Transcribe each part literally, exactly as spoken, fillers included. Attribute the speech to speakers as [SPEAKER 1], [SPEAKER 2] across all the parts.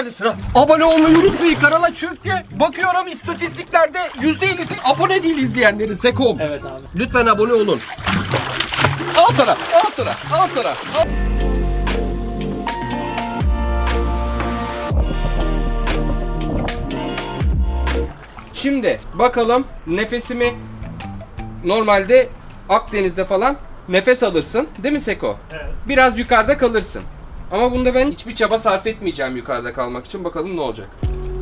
[SPEAKER 1] Abone olmayı unutmayın kanala çünkü bakıyorum istatistiklerde yüzde ellisi abone değil izleyenlerin Sekom.
[SPEAKER 2] Evet abi.
[SPEAKER 1] Lütfen abone olun. Al sana, al sana, al sana. Al. Şimdi bakalım nefesimi normalde Akdeniz'de falan nefes alırsın değil mi Seko?
[SPEAKER 2] Evet.
[SPEAKER 1] Biraz yukarıda kalırsın. Ama bunda ben hiçbir çaba sarf etmeyeceğim yukarıda kalmak için. Bakalım ne olacak.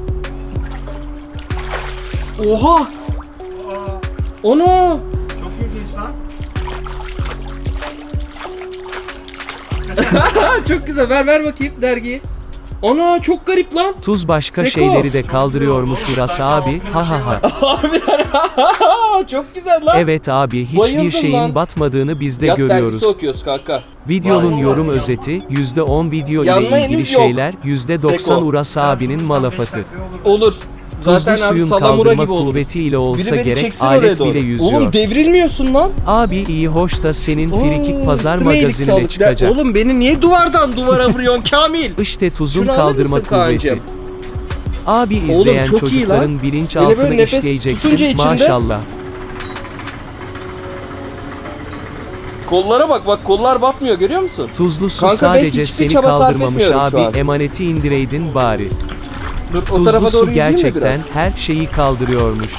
[SPEAKER 1] Oha!
[SPEAKER 2] Aa,
[SPEAKER 1] Onu!
[SPEAKER 2] çok ilginç lan.
[SPEAKER 1] Çok güzel. Ver ver bakayım dergiyi. Ana çok garip lan.
[SPEAKER 3] Tuz başka
[SPEAKER 1] Seko.
[SPEAKER 3] şeyleri de kaldırıyormuş Uras abi. Ha ha ha.
[SPEAKER 1] Harbiden çok güzel lan.
[SPEAKER 3] Evet abi, hiçbir
[SPEAKER 1] Bayıldım
[SPEAKER 3] şeyin
[SPEAKER 1] lan.
[SPEAKER 3] batmadığını biz de
[SPEAKER 1] Yat
[SPEAKER 3] görüyoruz.
[SPEAKER 1] dergisi okuyoruz kanka.
[SPEAKER 3] Videonun
[SPEAKER 2] Vay.
[SPEAKER 3] yorum özeti yüzde on video
[SPEAKER 1] Yanma
[SPEAKER 3] ile ilgili
[SPEAKER 1] henüz yok.
[SPEAKER 3] şeyler, yüzde doksan
[SPEAKER 1] Seko.
[SPEAKER 3] Uras abinin malafatı.
[SPEAKER 1] Olur.
[SPEAKER 3] Tuzlu
[SPEAKER 1] Zaten abi
[SPEAKER 3] suyun
[SPEAKER 1] salamura
[SPEAKER 3] kaldırma
[SPEAKER 1] gibi olur.
[SPEAKER 3] kuvvetiyle
[SPEAKER 1] Biri
[SPEAKER 3] olsa
[SPEAKER 1] beni
[SPEAKER 3] gerek
[SPEAKER 1] çeksin oraya
[SPEAKER 3] alet
[SPEAKER 1] doğru.
[SPEAKER 3] bile yüzüyor.
[SPEAKER 1] Oğlum devrilmiyorsun lan.
[SPEAKER 3] Abi iyi hoş da senin frikik
[SPEAKER 1] Oo,
[SPEAKER 3] pazar
[SPEAKER 1] üstüme iyilik
[SPEAKER 3] magazinine
[SPEAKER 1] sağlık.
[SPEAKER 3] çıkacak.
[SPEAKER 1] Oğlum beni niye duvardan duvara vuruyorsun Kamil?
[SPEAKER 3] İşte tuzun
[SPEAKER 1] Şunu alır
[SPEAKER 3] kaldırma
[SPEAKER 1] mısın
[SPEAKER 3] kuvveti.
[SPEAKER 1] Kaan'cığım?
[SPEAKER 3] Abi izleyen
[SPEAKER 1] çok iyi lan.
[SPEAKER 3] çocukların
[SPEAKER 1] Böyle
[SPEAKER 3] bilinçaltını
[SPEAKER 1] böyle nefes tutunca
[SPEAKER 3] işleyeceksin
[SPEAKER 1] içinde-
[SPEAKER 3] maşallah.
[SPEAKER 1] Kollara bak bak kollar batmıyor görüyor musun?
[SPEAKER 3] Tuzlu su
[SPEAKER 1] Kanka ben
[SPEAKER 3] sadece
[SPEAKER 1] hiçbir
[SPEAKER 3] seni
[SPEAKER 1] çaba sarf
[SPEAKER 3] kaldırmamış
[SPEAKER 1] etmiyorum şu
[SPEAKER 3] abi,
[SPEAKER 1] an.
[SPEAKER 3] emaneti indireydin bari.
[SPEAKER 1] Dur o
[SPEAKER 3] Tuzlu
[SPEAKER 1] tarafa
[SPEAKER 3] su
[SPEAKER 1] doğru yüzeyim mi
[SPEAKER 3] gerçekten
[SPEAKER 1] biraz?
[SPEAKER 3] her şeyi kaldırıyormuş.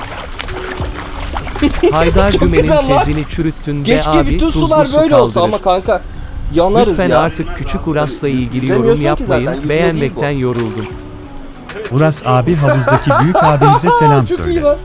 [SPEAKER 3] Haydar
[SPEAKER 1] Çok
[SPEAKER 3] Gümen'in
[SPEAKER 1] güzel lan.
[SPEAKER 3] tezini çürüttün be
[SPEAKER 1] Keşke
[SPEAKER 3] abi,
[SPEAKER 1] bütün
[SPEAKER 3] tuzlu
[SPEAKER 1] sular
[SPEAKER 3] su
[SPEAKER 1] böyle olsa
[SPEAKER 3] kaldırır.
[SPEAKER 1] ama kanka yanarız
[SPEAKER 3] Lütfen
[SPEAKER 1] ya.
[SPEAKER 3] artık küçük Uras'la ilgili
[SPEAKER 1] Yüzemiyorsun
[SPEAKER 3] yorum
[SPEAKER 1] ki
[SPEAKER 3] yapmayın,
[SPEAKER 1] zaten, yüzme
[SPEAKER 3] beğenmekten
[SPEAKER 1] değil
[SPEAKER 3] yoruldum.
[SPEAKER 4] Uras abi havuzdaki büyük abinize selam
[SPEAKER 1] Çok iyi
[SPEAKER 4] söyle.
[SPEAKER 1] lan.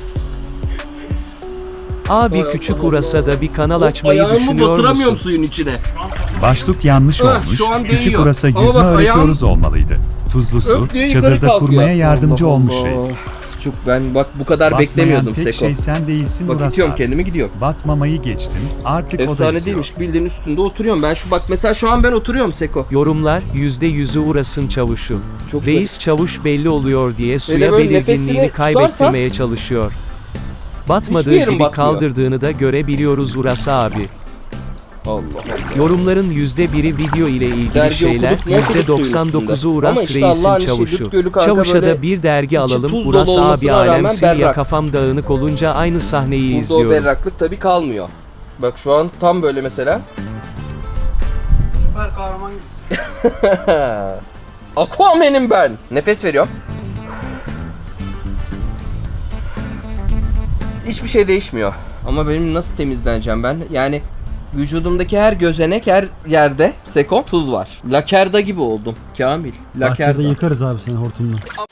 [SPEAKER 3] Abi
[SPEAKER 1] Ay
[SPEAKER 3] küçük
[SPEAKER 1] Allah
[SPEAKER 3] Uras'a da bir kanal açmayı
[SPEAKER 1] Ayağımı
[SPEAKER 3] düşünüyor
[SPEAKER 1] batıramıyorum
[SPEAKER 3] musun?
[SPEAKER 1] suyun içine.
[SPEAKER 4] Başlık yanlış
[SPEAKER 1] Ah,
[SPEAKER 4] olmuş.
[SPEAKER 1] şu an
[SPEAKER 4] Küçük
[SPEAKER 1] değiyor.
[SPEAKER 4] Uras'a
[SPEAKER 1] Ama
[SPEAKER 4] yüzme
[SPEAKER 1] bak,
[SPEAKER 4] öğretiyoruz olmalıydı. Tuzlu su
[SPEAKER 1] Öp diyor, yukarı
[SPEAKER 4] çadırda
[SPEAKER 1] kalkıyor.
[SPEAKER 4] kurmaya yardımcı
[SPEAKER 1] Allah
[SPEAKER 4] olmuş
[SPEAKER 1] Allah.
[SPEAKER 4] reis.
[SPEAKER 1] Çok ben bak bu kadar
[SPEAKER 4] Batmayan
[SPEAKER 1] beklemiyordum
[SPEAKER 4] tek
[SPEAKER 1] Seko.
[SPEAKER 4] şey sen değilsin
[SPEAKER 1] Bak
[SPEAKER 4] Uras
[SPEAKER 1] itiyorum
[SPEAKER 4] abi.
[SPEAKER 1] kendimi gidiyorum.
[SPEAKER 4] Batmamayı geçtin. Artık o da
[SPEAKER 1] Efsane
[SPEAKER 4] yüzüyor.
[SPEAKER 1] değilmiş bildiğin üstünde oturuyorum. Ben şu bak mesela şu an ben oturuyorum Seko.
[SPEAKER 3] Yorumlar yüzde yüzü Uras'ın çavuşu.
[SPEAKER 1] Çok
[SPEAKER 3] Reis çavuş belli oluyor diye suya
[SPEAKER 1] böyle
[SPEAKER 3] belirginliğini
[SPEAKER 1] nefesini
[SPEAKER 3] kaybettirmeye çalışıyor. Batmadığı
[SPEAKER 1] Hiçbir yerim
[SPEAKER 3] gibi
[SPEAKER 1] batmıyor.
[SPEAKER 3] kaldırdığını da görebiliyoruz Uras abi.
[SPEAKER 1] Allah Allah.
[SPEAKER 3] Yorumların yüzde biri video ile ilgili
[SPEAKER 1] Dergi
[SPEAKER 3] şeyler,
[SPEAKER 1] okuduk, ne okuduk
[SPEAKER 3] yüzde
[SPEAKER 1] suyun
[SPEAKER 3] doksan dokuzu
[SPEAKER 1] üstünde. Ama
[SPEAKER 3] Uras
[SPEAKER 1] işte
[SPEAKER 3] reisin
[SPEAKER 1] Allah'ın işi,
[SPEAKER 3] çavuşu.
[SPEAKER 1] Lüt Gölü kanka
[SPEAKER 3] Çavuşa
[SPEAKER 1] böyle
[SPEAKER 3] da bir dergi
[SPEAKER 1] içi
[SPEAKER 3] alalım.
[SPEAKER 1] tuz
[SPEAKER 3] Uras
[SPEAKER 1] dolu
[SPEAKER 3] abi
[SPEAKER 1] olmasına rağmen
[SPEAKER 3] alemsin ya,
[SPEAKER 1] berrak.
[SPEAKER 3] kafam dağınık olunca aynı sahneyi
[SPEAKER 1] Burada o
[SPEAKER 3] izliyorum.
[SPEAKER 1] berraklık tabii kalmıyor. Bak şu an tam böyle mesela.
[SPEAKER 2] Süper kahraman gibisin.
[SPEAKER 1] Aquaman'im ben. Nefes veriyorum. Hiçbir şey değişmiyor. Ama benim nasıl temizleneceğim ben? Yani vücudumdaki her gözenek, her yerde Seko tuz var. Lakerda gibi oldum. Kamil.
[SPEAKER 5] Bahçede
[SPEAKER 1] Lakerda.
[SPEAKER 5] yıkarız abi seni hortumla.